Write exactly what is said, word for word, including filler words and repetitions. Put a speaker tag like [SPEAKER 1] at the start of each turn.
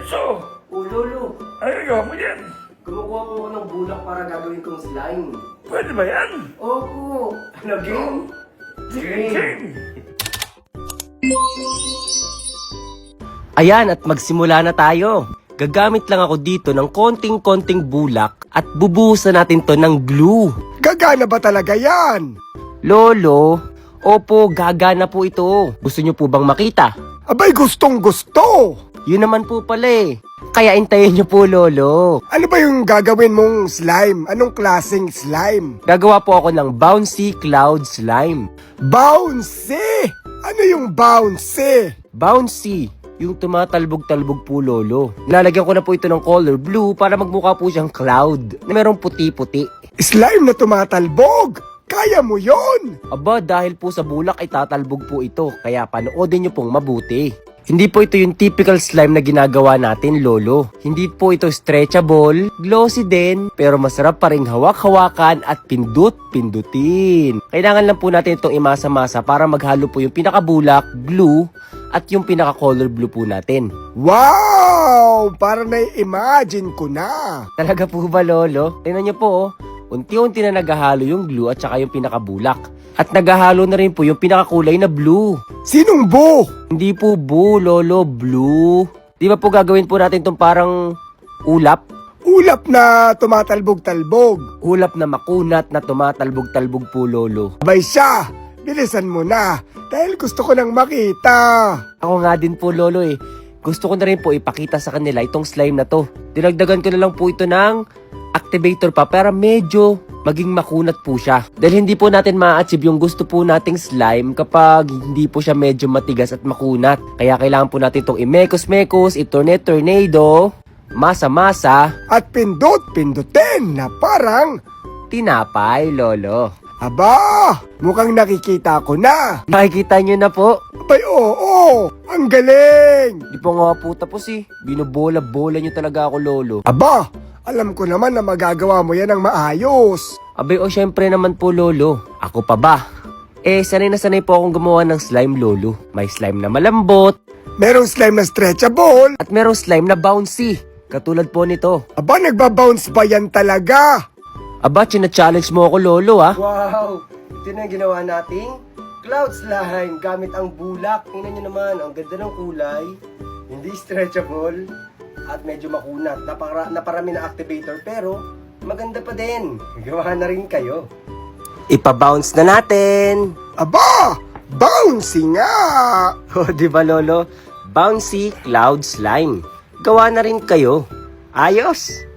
[SPEAKER 1] Enzo!
[SPEAKER 2] O Lolo,
[SPEAKER 1] Ano gagawa mo yan?
[SPEAKER 2] kumukuha po ako ng bulak para gagawin kong slime.
[SPEAKER 1] Pwede ba yan?
[SPEAKER 2] Opo! Ano, game?
[SPEAKER 1] Sige,
[SPEAKER 2] Game.
[SPEAKER 1] game!
[SPEAKER 3] Ayan, at magsimula na tayo. Gagamit lang ako dito ng konting-konting bulak at bubuhusan natin to ng glue.
[SPEAKER 4] Gagana ba talaga yan?
[SPEAKER 3] Lolo, opo, gagana po ito. Gusto nyo po bang makita?
[SPEAKER 4] Abay, gustong gusto!
[SPEAKER 3] Yun naman po pala eh. Kaya intayin nyo po, Lolo.
[SPEAKER 4] Ano ba yung gagawin mong slime? Anong klaseng slime?
[SPEAKER 3] Gagawa po ako ng bouncy cloud slime.
[SPEAKER 4] Bouncy! Ano yung bouncy?
[SPEAKER 3] Bouncy, yung tumatalbog-talbog po, Lolo. Lalagyan ko na po ito ng color blue para magmukha po siyang cloud na merong puti-puti.
[SPEAKER 4] Slime na tumatalbog! Kaya mo yon!
[SPEAKER 3] Aba, dahil po sa bulak ay tatalbog po ito, kaya panoodin nyo pong mabuti. Hindi po ito yung typical slime na ginagawa natin, Lolo. Hindi po ito stretchable, glossy din, pero masarap pa rin hawak-hawakan at pindut-pindutin. Kailangan lang po natin itong imasa-masa para maghalo po yung pinakabulak, glue, at yung pinaka-color blue po natin.
[SPEAKER 4] Wow! Para na-imagine ko na!
[SPEAKER 3] Talaga po ba, Lolo? Tingnan nyo po, oh. Unti-unti na naghahalo yung glue at saka yung pinakabulak. At naghahalo na rin po yung pinakakulay na blue.
[SPEAKER 4] Sinong bo?
[SPEAKER 3] Hindi po bu, Lolo, blue. Di ba po gagawin po natin itong parang ulap?
[SPEAKER 4] Ulap na tumatalbog-talbog.
[SPEAKER 3] Ulap na makunat na tumatalbog-talbog po, Lolo.
[SPEAKER 4] Abay siya! Bilisan mo na! Dahil gusto ko nang makita!
[SPEAKER 3] Ako nga din po, Lolo eh. Gusto ko na rin po ipakita sa kanila itong slime na to. Dinagdagan ko na lang po ito ng activator pa para medyo maging makunat po siya. Dahil hindi po natin ma-achieve yung gusto po nating slime kapag hindi po siya medyo matigas at makunat. Kaya kailangan po natin itong imekos-mekos, itorne-tornado, masa-masa,
[SPEAKER 4] At pindot-pindutin na parang...
[SPEAKER 3] tinapay, Lolo.
[SPEAKER 4] Aba! Mukhang nakikita ko na!
[SPEAKER 3] Nakikita nyo na po.
[SPEAKER 4] Abay, oo! Ang galing!
[SPEAKER 3] Di pa nga po tapos eh. Binobola-bola nyo talaga ako, Lolo.
[SPEAKER 4] Aba! Alam ko naman na magagawa mo yan ng maayos!
[SPEAKER 3] Abay o syempre naman po, Lolo. Ako pa ba? Eh, sanay na sanay po akong gumawa ng slime, Lolo. May slime na malambot,
[SPEAKER 4] Merong slime na stretchable!
[SPEAKER 3] at merong slime na bouncy. Katulad po nito.
[SPEAKER 4] Aba, nagbabounce ba yan talaga?
[SPEAKER 3] Aba, china-challenge mo ako, Lolo, ah.
[SPEAKER 2] Wow! Ito na yung ginawa nating cloud slime gamit ang bulak. Tingnan nyo naman, ang ganda ng kulay. Hindi stretchable at medyo makunat. Napara, naparami na activator pero maganda pa din. Gawa na rin kayo.
[SPEAKER 3] Ipa-bounce na natin.
[SPEAKER 4] Aba! Bouncy nga!
[SPEAKER 3] O, di ba, Lolo? Bouncy cloud slime. Gawa na rin kayo. Ayos!